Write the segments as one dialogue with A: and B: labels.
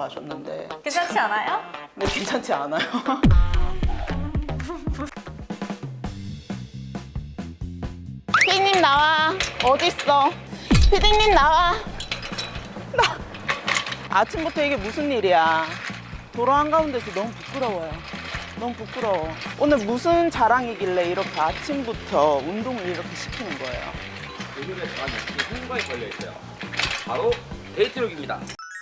A: 가셨는데
B: 괜찮지 않아요?
A: 네, 괜찮지 않아요? 피디님 나와. 어딨어? 피디님 나와. 아침부터 이게 무슨 일이야. 도로 한가운데서 너무 부끄러워요. 너무 부끄러워. 오늘 무슨 자랑이길래 이렇게 아침부터 운동을 이렇게 시키는 거예요?
C: 오늘의 저한테 홍보에 걸려있어요. 바로 데이트룩입니다.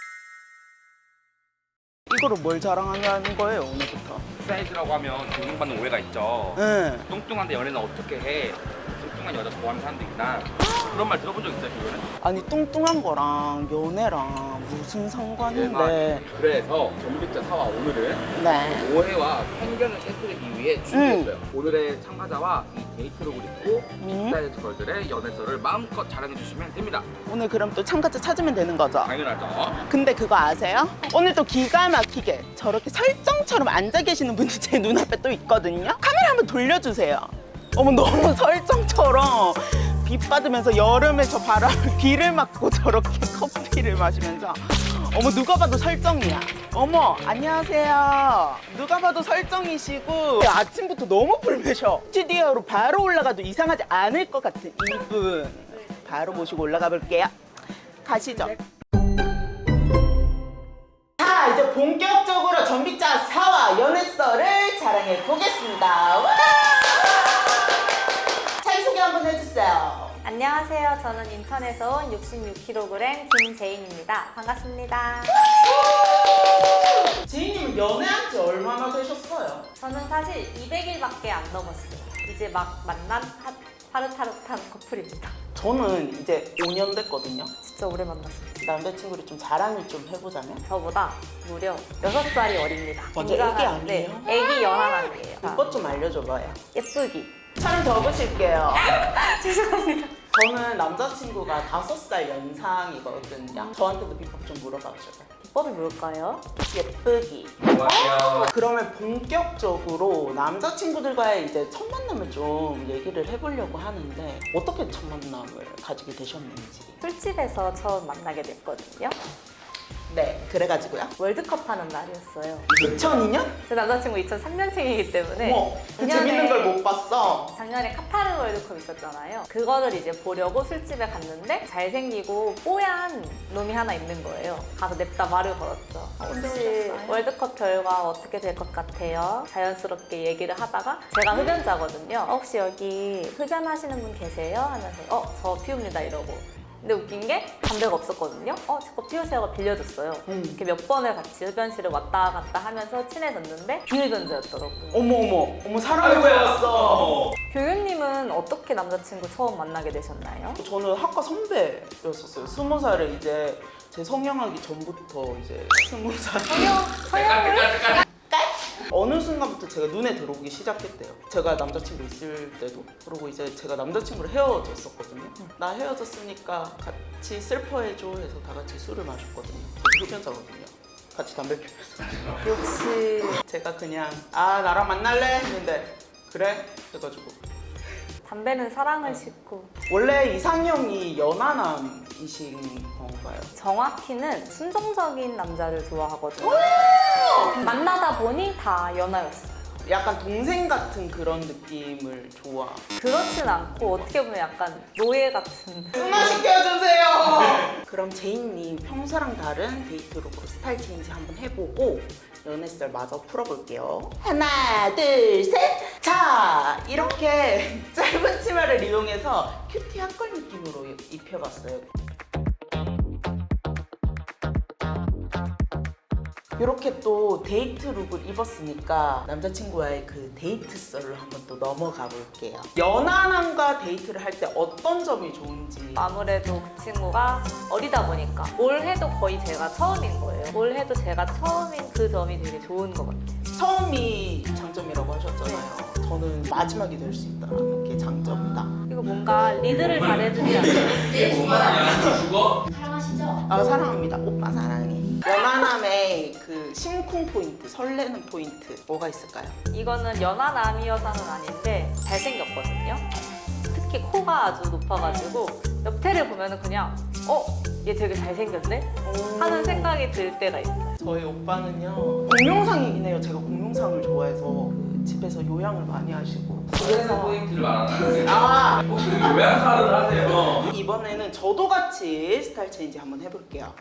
A: 이거를 뭘 자랑하는 거예요, 오늘부터?
C: 사이즈라고 하면 존중받는 오해가 있죠.
A: 응.
C: 뚱뚱한데 연애는 어떻게 해? 뚱뚱한 여자 좋아하는 사람도 있나? 그런 말 들어본 적 있어요, 그거는?
A: 아니, 뚱뚱한 거랑 연애랑 무슨 상관인데.
C: 그래서 전빅자 사와 오늘은
A: 네.
C: 오해와 편견을 깨뜨리기 위해 준비했어요. 오늘의 참가자와 이 데이트룩을 입고 빅사이즈 걸들의 연애설을 마음껏 자랑해 주시면 됩니다.
A: 오늘 그럼 또 참가자 찾으면 되는 거죠?
C: 당연하죠.
A: 근데 그거 아세요? 오늘 또 기가 막히게 저렇게 설정처럼 앉아 계시는 분이 제 눈앞에 또 있거든요? 카메라 한번 돌려주세요. 어머, 너무 설정처럼 비 받으면서 여름에 저 바람을 비를 맞고 저렇게 커피를 마시면서 어머, 누가 봐도 설정이야. 어머, 안녕하세요. 누가 봐도 설정이시고 아침부터 너무 불매셔. 스튜디오로 바로 올라가도 이상하지 않을 것 같은 이분 바로 모시고 올라가 볼게요. 가시죠. 자, 이제 본격적으로 전빅자 사와 연애설을 자랑해 보겠습니다. 와! 자기소개 한번 해주세요.
B: 안녕하세요. 저는 인천에서 온 66kg 김재인입니다. 반갑습니다.
A: 지인님은 연애한 지 얼마나 되셨어요?
B: 저는 사실 200일밖에 안 넘었어요. 이제 막 만난 파릇파릇한 커플입니다.
A: 저는 이제 5년 됐거든요.
B: 진짜 오래 만났어요.
A: 남자친구를 좀 자랑을 좀 해보자면?
B: 저보다 무려 6살이 어립니다.
A: 완전 애기 아니에요?
B: 네, 애기 연하남이에요.
A: 그것 좀 알려줘봐요.
B: 예쁘기.
A: 촬영 접으실게요.
B: 죄송합니다.
A: 저는 남자친구가 5살 연상이거든요. 저한테도 비법 좀 물어봐주세요.
B: 비법이 뭘까요?
A: 예쁘기.
C: 안녕하세요.
A: 그러면 본격적으로 남자친구들과의 이제 첫 만남을 좀 얘기를 해보려고 하는데 어떻게 첫 만남을 가지게 되셨는지.
B: 술집에서 처음 만나게 됐거든요.
A: 네, 그래가지고요.
B: 월드컵 하는 날이었어요.
A: 2002년?
B: 제 남자친구 2003년생이기 때문에
A: 어머, 그
B: 작년에-
A: 재밌는 걸 못 봤어.
B: 작년에 카타르 월드컵 있었잖아요. 그거를 이제 보려고 술집에 갔는데 잘생기고 뽀얀 놈이 하나 있는 거예요. 가서 냅다 말을 걸었죠. 혹시 월드컵 결과 어떻게 될 것 같아요? 자연스럽게 얘기를 하다가 제가 흡연자거든요. 혹시 여기 흡연하시는 분 계세요? 하면서 저 피웁니다 이러고. 근데 웃긴 게 담배가 없었거든요. 제 거 피우세요가 빌려줬어요. 이렇게 몇 번을 같이 흡연실을 왔다 갔다 하면서 친해졌는데 비흡연자였더라고요.
A: 어머, 사랑을 배웠어.
B: 교육님은 어떻게 남자친구 처음 만나게 되셨나요?
A: 저는 학과 선배였었어요. 20살에 이제 제 성형하기 전부터 이제 20살.
B: 서영을?
A: 어느 순간부터 제가 눈에 들어오기 시작했대요. 제가 남자친구 있을 때도. 그리고 이제 제가 남자친구를 헤어졌었거든요. 나 헤어졌으니까 같이 슬퍼해줘 해서 다 같이 술을 마셨거든요. 저도 흡연자거든요. 같이 담배 피면서.
B: 역시
A: 제가 그냥 나랑 만날래? 했는데 그래? 해가지고.
B: 담배는 사랑을 싣고
A: 원래 이상형이 연하남이신 건가요?
B: 정확히는 순종적인 남자를 좋아하거든요. 만나다 보니 다 연하였어요.
A: 약간 동생 같은 그런 느낌을 좋아.
B: 그렇진 않고 어떻게 보면 약간 노예 같은.
A: 승마 시켜주세요. 그럼 제이님 평소랑 다른 데이트룩으로 스타일 체인지 한번 해보고 연애썰 마저 풀어볼게요. 하나, 둘, 셋. 자, 이렇게 짧은 치마를 이용해서 큐티 핫걸 느낌으로 입혀봤어요. 이렇게 또 데이트 룩을 입었으니까 남자친구와의 그 데이트 썰로 한번 또 넘어가 볼게요. 연하남과 데이트를 할 때 어떤 점이 좋은지.
B: 아무래도 그 친구가 어리다 보니까 뭘 해도 거의 제가 처음인 거예요. 뭘 해도 제가 처음인 그 점이 되게 좋은 것 같아요.
A: 처음이 장점이라고 하셨잖아요. 저는 마지막이 될 수 있다는 게 장점이다.
B: 그리고 뭔가 리드를 잘해주지 않아요.
D: 사랑하시죠?
A: 사랑합니다. 오빠 사랑해. 연하남의 그 심쿵 포인트, 설레는 포인트 뭐가 있을까요?
B: 이거는 연하남이어서는 아닌데 잘생겼거든요. 특히 코가 아주 높아가지고 옆태를 보면은 그냥 얘 되게 잘생겼네? 하는 생각이 들 때가 있어요.
A: 저희 오빠는요 공룡상이긴 해요. 제가 공룡상을 좋아해서 그 집에서 요양을 많이 하시고
C: 그래서 포인트를 말하는
A: 아
C: 혹시 요양사를 하세요?
A: 이번에는 저도 같이 스타일 체인지 한번 해볼게요.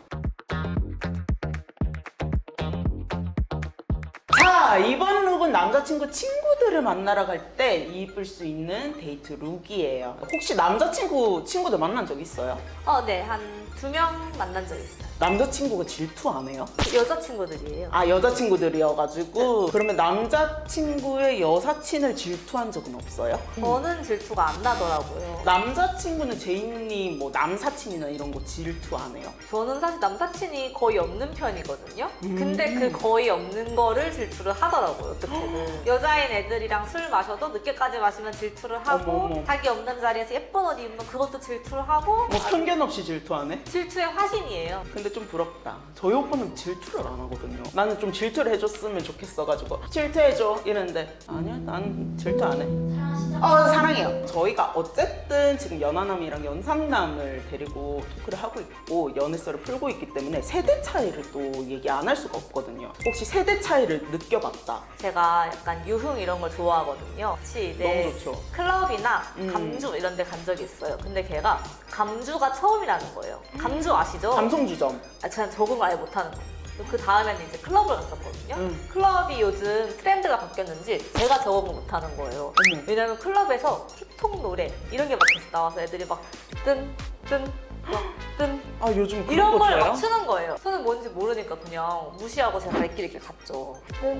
A: 자, 이번 룩은 남자친구 친구들을 만나러 갈 때 입을 수 있는 데이트 룩이에요. 혹시 친구들 만난 적 있어요?
B: 네. 한 2명 만난 적 있어요.
A: 남자친구가 질투 안 해요?
B: 여자친구들이에요.
A: 아, 여자친구들이어가지고 그러면 남자친구의 여사친을 질투한 적은 없어요?
B: 저는 질투가 안 나더라고요.
A: 남자친구는 제이님 뭐 남사친이나 이런 거 질투 안 해요?
B: 저는 사실 남사친이 거의 없는 편이거든요. 근데 그 거의 없는 거를 질투를 하더라고요, 어떻게든. 여자인 애들이랑 술 마셔도 늦게까지 마시면 질투를 하고,
A: 어머.
B: 자기 없는 자리에서 예쁜 옷 입으면 그것도 질투를 하고,
A: 뭐 편견 없이 질투 안 해?
B: 질투의 화신이에요.
A: 근데 좀 부럽다. 저희 오빠는 질투를 안 하거든요. 나는 좀 질투를 해줬으면 좋겠어가지고 질투해줘 이랬는데 아니야, 난 질투 안 해.
D: 사랑하시죠?
A: 사랑해요. 저희가 어쨌든 지금 연하남이랑 연상남을 데리고 토크를 하고 있고 연애설을 풀고 있기 때문에 세대 차이를 또 얘기 안 할 수가 없거든요. 혹시 세대 차이를 느껴봤다?
B: 제가 약간 유흥 이런 걸 좋아하거든요. 같이 이제
A: 너무 좋죠.
B: 클럽이나 감주 이런 데 간 적이 있어요. 근데 걔가 감주가 처음이라는 거예요. 감주 아시죠?
A: 감성주점.
B: 저는 적응을 아예 못하는 거예요. 그 다음에는 이제 클럽을 갔었거든요. 클럽이 요즘 트렌드가 바뀌었는지 제가 적응을 못하는 거예요.
A: 어머.
B: 왜냐면 클럽에서 틱톡 노래 이런 게 막 계속 나와서 애들이 막 뜬
A: 아, 요즘 그런
B: 이런
A: 거
B: 걸
A: 좋아요?
B: 막 추는 거예요. 저는 뭔지 모르니까 그냥 무시하고 제가 갈 길 이렇게 갔죠.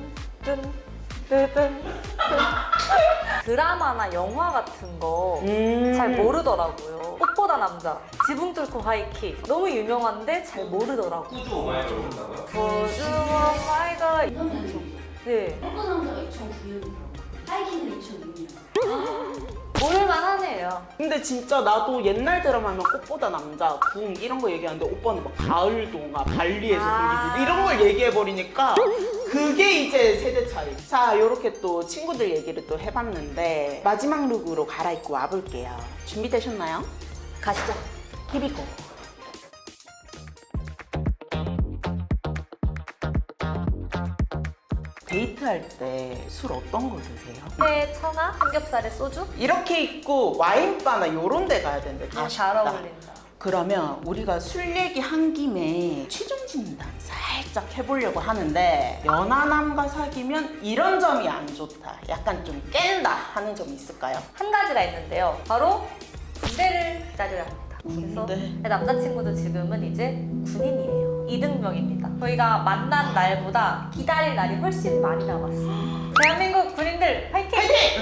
B: 드라마나 영화 같은 거 잘 모르더라고요. 꽃보다 남자, 지붕 뚫고 하이킥 너무 유명한데 잘 모르더라고요.
C: 꾸주 오마이걸 모른다고요?
B: 보조 마이걸.
D: 이런 년 정도.
B: 네,
D: 어떤 남자가 2009년이고 하이킹은 2006년.
B: 모를만 하네요.
A: 근데 진짜 나도 옛날 드라마 하면 꽃보다 남자, 궁 이런 거 얘기하는데 오빠는 막 가을 동화, 발리에서
B: 아.
A: 생긴 이런 걸 얘기해버리니까 그게 이제 세대 차이. 자, 요렇게 또 친구들 얘기를 또 해봤는데 마지막 룩으로 갈아입고 와볼게요. 준비되셨나요?
B: 가시죠.
A: 히비고. 데이트할 때 술 어떤 거 드세요?
B: 회, 청아, 삼겹살에 소주?
A: 이렇게 입고 와인바나 요런 데 가야 되는데
B: 잘
A: 아쉽다.
B: 어울린다.
A: 그러면 우리가 술 얘기 한 김에 취중 진단 살짝 해보려고 하는데 연하남과 사귀면 이런 점이 안 좋다, 약간 좀 깬다 하는 점이 있을까요?
B: 한 가지가 있는데요. 바로 군대를 기다려야 합니다. 그래서
A: 군대.
B: 제 남자친구도 지금은 이제 군인이에요. 이등병입니다. 저희가 만난 날보다 기다릴 날이 훨씬 많이 남았어요. 대한민국 군인들 화이팅!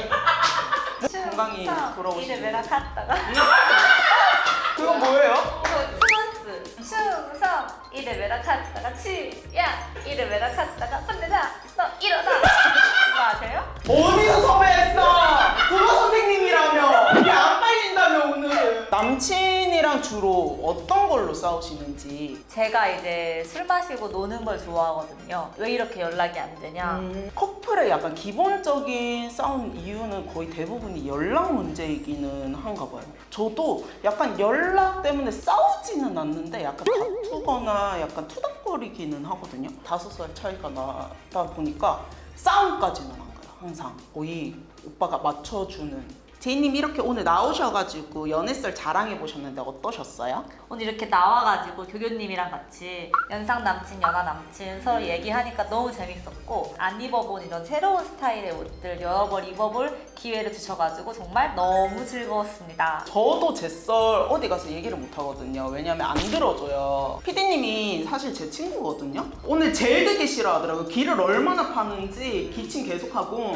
A: 건강히 돌아오시길.
B: 이제 메라 갔다가
A: 그건 뭐예요?
B: 추먼스 충성 이래 메라 갔다가 치야 이래 메라 갔다가 혼내자 너 일어나 이거 아세요?
A: 어디서 섭외했어? 국어 선생님이라며. 이게 안 빨린다며 오늘. 남친이랑 주로 어떤 걸로 싸우시는지.
B: 제가 이제 술 마시고 노는 걸 좋아하거든요. 왜 이렇게 연락이 안 되냐?
A: 커플의 약간 기본적인 싸움 이유는 거의 대부분이 연락 문제이기는 한가 봐요. 저도 약간 연락 때문에 싸우지는 않는데 약간 다투거나 약간 투닥거리기는 하거든요. 5살 차이가 나다 보니까 싸움까지는 안 가요. 항상 거의 오빠가 맞춰주는. 제이님 이렇게 오늘 나오셔가지고 연애썰 자랑해보셨는데 어떠셨어요?
B: 오늘 이렇게 나와가지고 교교님이랑 같이 연상 남친, 연하 남친 서로 얘기하니까 너무 재밌었고 안 입어본 이런 새로운 스타일의 옷들 여러 벌 입어볼 기회를 주셔가지고 정말 너무 즐거웠습니다.
A: 저도 제 썰 어디 가서 얘기를 못 하거든요. 왜냐면 안 들어줘요. PD님이 사실 제 친구거든요. 오늘 제일 듣기 싫어하더라고요. 기를 얼마나 파는지 기침 계속하고.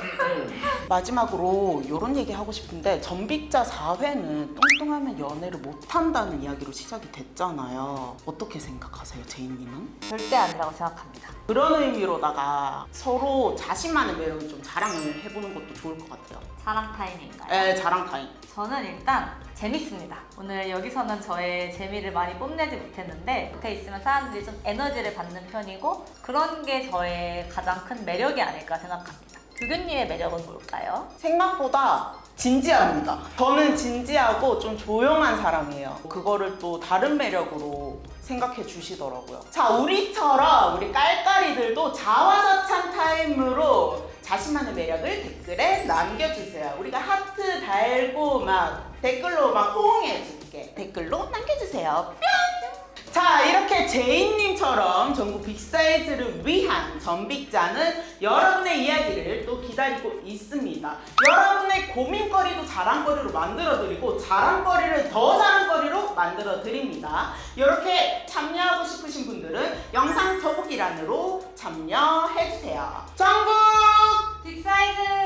A: 마지막으로 이런 얘기 하고 싶은데 전빅자 4회는 뚱뚱하면 연애를 못한다는 이야기로 시작이 됐잖아요. 어떻게 생각하세요, 제이님은?
B: 절대 아니라고 생각합니다.
A: 그런 의미로다가 서로 자신만의 매력을 좀 자랑을 해보는 것도 좋을 것 같아요.
B: 자랑 타임인가요?
A: 에, 자랑 타임.
B: 저는 일단 재밌습니다. 오늘 여기서는 저의 재미를 많이 뽐내지 못했는데 옆에 있으면 사람들이 좀 에너지를 받는 편이고 그런 게 저의 가장 큰 매력이 아닐까 생각합니다. 교교님의 매력은 뭘까요?
A: 생각보다 진지합니다. 저는 진지하고 좀 조용한 사람이에요. 그거를 또 다른 매력으로 생각해 주시더라고요. 자, 우리처럼 우리 깔깔이들도 자화자찬 타임으로 자신만의 매력을 댓글에 남겨주세요. 우리가 하트 달고 막 댓글로 막 호응해줄게. 댓글로 남겨주세요. 뿅! 자, 이렇게 제이님처럼 전국 빅사이즈를 위한 전빅자는 여러분의 이야기를 또 기다리고 있습니다. 여러분의 고민거리도 자랑거리로 만들어드리고 자랑거리를 더 자랑거리로 만들어드립니다. 이렇게 참여하고 싶으신 분들은 영상 더보기란으로 참여해주세요. 전국
B: 빅사이즈